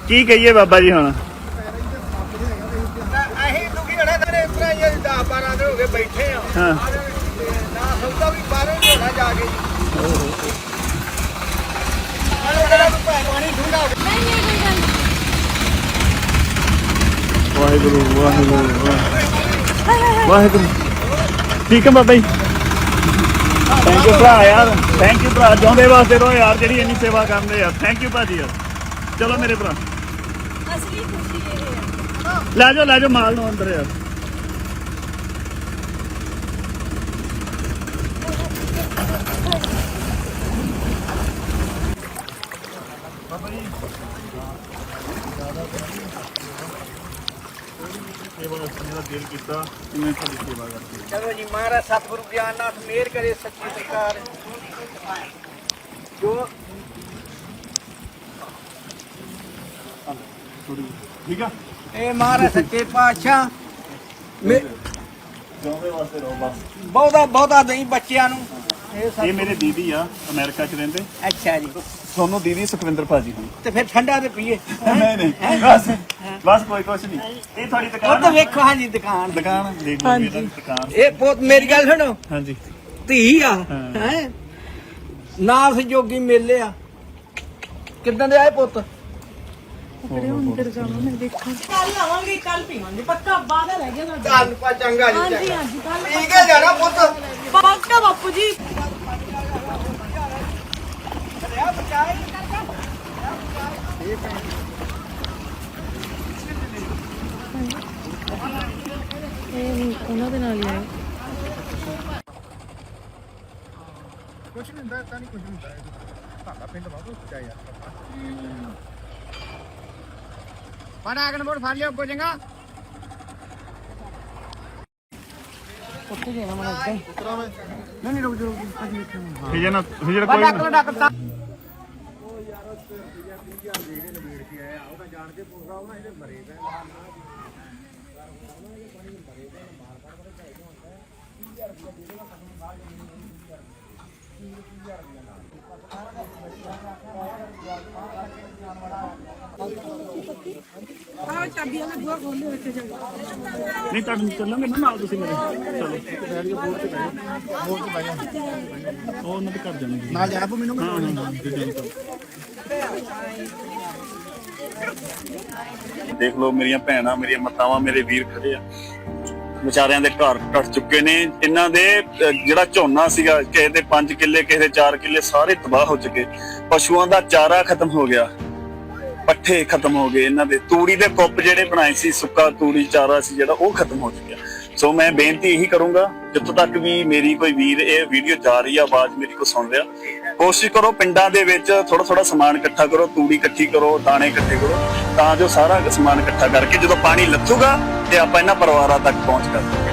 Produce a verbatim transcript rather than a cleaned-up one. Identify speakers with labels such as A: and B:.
A: ਕੀ ਕਹੀਏ ਬਾਬਾ ਜੀ ਹੁਣ?
B: ਅਸੀਂ ਦੁਖੀ ਹੋਣਾ ਤੇਰੇ ਇਸ ਤਰ੍ਹਾਂ ਹੀ ਦਸ ਬਾਰਾਂ ਦਿਨ ਹੋ ਗਏ ਬੈਠੇ ਆ।
A: ਹਾਂ
B: ਨਾ ਸੌਦਾ ਵੀ ਬਾਹਰੋਂ ਹੀ ਹੋਣਾ ਜਾ ਕੇ। ਹਲੋ ਜਿਹੜਾ ਤੂੰ ਪਾਣੀ ਠੰਡਾ
C: ਨਹੀਂ ਨਹੀਂ ਕੋਈ ਗੱਲ ਨਹੀਂ।
A: ਵਾਹਿਗੁਰੂ ਵਾਹਿਗੁਰੂ ਵਾਹਿਗੁਰੂ। ਠੀਕ ਹੈ ਬਾਬਾ ਜੀ, ਥੈਂਕ ਯੂ ਭਰਾ ਯਾਰ, ਥੈਂਕ ਯੂ ਭਰਾ, ਜਿਉਂਦੇ ਵਾਸਤੇ ਰਹੋ ਯਾਰ, ਜਿਹੜੀ ਇੰਨੀ ਸੇਵਾ ਕਰਦੇ ਯਾਰ। ਥੈਂਕ ਯੂ ਭਾਜੀ ਯਾਰ। ਚਲੋ ਮੇਰੇ ਭਰਾ,
C: ਅਸਲੀ ਖੁਸ਼ੀ ਇਹ ਹੈ।
A: ਲੈ ਜਾਓ ਲੈ ਜਾਓ ਮਾਲ ਨੂੰ ਅੰਦਰ ਯਾਰ। ਦਿਲ ਕੀਤਾ ਮੈਂ ਤੁਹਾਡੀ ਸੇਵਾ ਕਰਦੀ।
B: ਚਲੋ ਜੀ, ਮਹਾਰਾਜ ਸਤਿਗੁਰੂ ਗਿਆਨਨਾਥ ਮਿਹਰ ਕਰੇ ਸੱਚੀ ਸਰਕਾਰ ਜੋ
A: ਠੀਕ ਆ।
B: ਇਹ ਮਹਾਰਾਜ ਸੱਚੇ ਪਾਤਸ਼ਾਹ
A: ਜਿਉਂਦੇ ਵਾਸਤੇ ਰਹੋ ਬਸ।
B: ਬਹੁਤਾ ਬਹੁਤਾ ਨਹੀਂ ਬੱਚਿਆਂ ਨੂੰ।
A: ਇਹ ਮੇਰੇ ਦੀਦੀ ਆ, ਅਮਰੀਕਾ ਚ ਰਹਿੰਦੇ।
B: ਅੱਛਾ ਜੀ,
A: ਤੁਹਾਨੂੰ ਦੀਦੀ ਸੁਖਵਿੰਦਰ ਭਾਜੀ ਦੀ।
B: ਤੇ ਫਿਰ ਠੰਡਾ ਤੇ ਪੀਏ।
A: ਨਹੀਂ ਨਹੀਂ ਬਸ ਬਸ ਕੋਈ ਕੁਛ ਨਹੀਂ। ਇਹ ਤੁਹਾਡੀ
B: ਉਹ
A: ਦੁਕਾਨ
B: ਤਾਂ
A: ਆ?
B: ਵੇਖੋ, ਹਾਂਜੀ ਦੁਕਾਨ
A: ਦੁਕਾਨ ਦੇਖ ਲਓ ਮੇਰੀ ਦੁਕਾਨ।
B: ਇਹ ਪੁੱਤ ਮੇਰੀ ਗੱਲ ਸੁਣੋ,
A: ਹਾਂਜੀ
B: ਧੀ ਆ
A: ਹਾਂ।
B: ਹੈ ਨਾਸ ਜੋਗੀ ਮੇਲੇ ਆ। ਕਿੱਦਾਂ ਦੇ ਆਏ ਪੁੱਤ?
C: ਕੱਲ ਆਵਾਂਗੇ, ਕੱਲ ਪੀਵਾਂਗੇ ਪੱਕਾ। ਬਾਦਾ ਰਹਿ ਗਿਆ ਸਾਡਾ।
B: ਚੱਲ ਪਾ ਚੰਗਾ ਜੀ,
C: ਹਾਂਜੀ
B: ਚੰਗਾ।
C: ਹਾਂਜੀ ਕੱਲ
B: ਠੀਕ ਹੈ ਜਾਣਾ ਪੁੱਤ।
C: ਪੱਕਾ ਬਾਪੂ ਜੀ। ਇਹ ਉਹਨਾਂ ਦੇ ਨਾਲ ਹੀ ਆਏ।
B: ਕੁਛ ਨਹੀਂ ਹੁੰਦਾ, ਤਾਂ ਨਹੀਂ ਕੁਛ ਹੁੰਦਾ। ਤੁਹਾਡਾ ਪਿੰਡ ਬਹੁਤ ਉੱਚਾ ਯਾਰ। ਬੜਾ ਅਗਨ ਮੋੜ ਫੜ ਲਿਓ, ਪੁੱਜੇਗਾ ਉੱਥੇ ਜਾਣਾ ਮਨ ਅੱਗੇ। ਨਹੀਂ ਨਹੀਂ ਰੁਕ ਜਾ, ਰੁਕ ਜਾ।
A: ਹਿਜੇ ਨਾ ਹਿਜੇ ਕੋਈ
B: ਬੜਾ ਅਗਨ ਡਾਕਟਰ ਤਾਂ
C: ਆਹ ਚਾਬੀਆਂ ਨਾਲ ਬੂਹਾ ਖੋਲ੍ਹੋ ਇੱਥੇ ਜਾ ਕੇ।
A: ਨਹੀਂ ਤੁਹਾਨੂੰ ਚੱਲਾਂਗੇ ਨਾ ਨਾਲ ਤੁਸੀਂ ਮੇਰੇ। ਚਲੋ ਉਹ ਉਹਨਾਂ ਦੇ ਘਰ ਜਾਣਗੇ
B: ਨਾਲ ਜਾਣਾ ਪਊ ਮੈਨੂੰ।
A: ਹਾਂ ਹਾਂ ਜੀ। ਦੇਖ ਲਓ ਮੇਰੀਆਂ ਭੈਣਾਂ, ਮੇਰੀਆਂ ਮਾਤਾਵਾਂ, ਮੇਰੇ ਵੀਰ ਖੜੇ ਆ। ਵਿਚਾਰਿਆਂ ਦੇ ਘਰ ਟੱਟ ਚੁੱਕੇ ਨੇ। ਇਹਨਾਂ ਦੇ ਜਿਹੜਾ ਝੋਨਾ ਸੀਗਾ, ਕਿਸੇ ਦੇ ਪੰਜ ਕਿੱਲੇ ਕਿਸੇ ਦੇ ਚਾਰ ਕਿੱਲੇ ਸਾਰੇ ਤਬਾਹ ਹੋ ਚੁੱਕੇ। ਪਸ਼ੂਆਂ ਦਾ ਚਾਰਾ ਖਤਮ ਹੋ ਗਿਆ, ਪੱਠੇ ਖਤਮ ਹੋ ਗਏ। ਇਹਨਾਂ ਦੇ ਤੂੜੀ ਦੇ ਕੁੱਪ ਜਿਹੜੇ ਬਣਾਏ ਸੀ, ਸੁੱਕਾ ਤੂੜੀ ਚਾਰਾ ਸੀ ਜਿਹੜਾ, ਉਹ ਖਤਮ ਹੋ ਚੁੱਕਿਆ। ਸੋ ਮੈਂ ਬੇਨਤੀ ਇਹੀ ਕਰੂੰਗਾ, ਜਿੱਥੋਂ ਤੱਕ ਵੀ ਮੇਰੀ ਕੋਈ ਵੀਰ ਇਹ ਵੀਡੀਓ ਜਾ ਰਹੀ ਆ, ਆਵਾਜ਼ ਮੇਰੀ ਕੋ ਸੁਣ ਰਿਹਾ, ਕੋਸ਼ਿਸ਼ ਕਰੋ ਪਿੰਡਾਂ ਦੇ ਵਿੱਚ ਥੋੜਾ ਥੋੜਾ ਸਮਾਨ ਇਕੱਠਾ ਕਰੋ, ਤੂੜੀ ਇਕੱਠੀ ਕਰੋ, ਦਾਣੇ ਇਕੱਠੇ ਕਰੋ, ਤਾਂ ਜੋ ਸਾਰਾ ਸਮਾਨ ਇਕੱਠਾ ਕਰਕੇ ਜਦੋਂ ਪਾਣੀ ਲੱਥੂਗਾ ਤੇ ਆਪਾਂ ਇਹਨਾਂ ਪਰਿਵਾਰਾਂ ਤੱਕ ਪਹੁੰਚ ਕਰ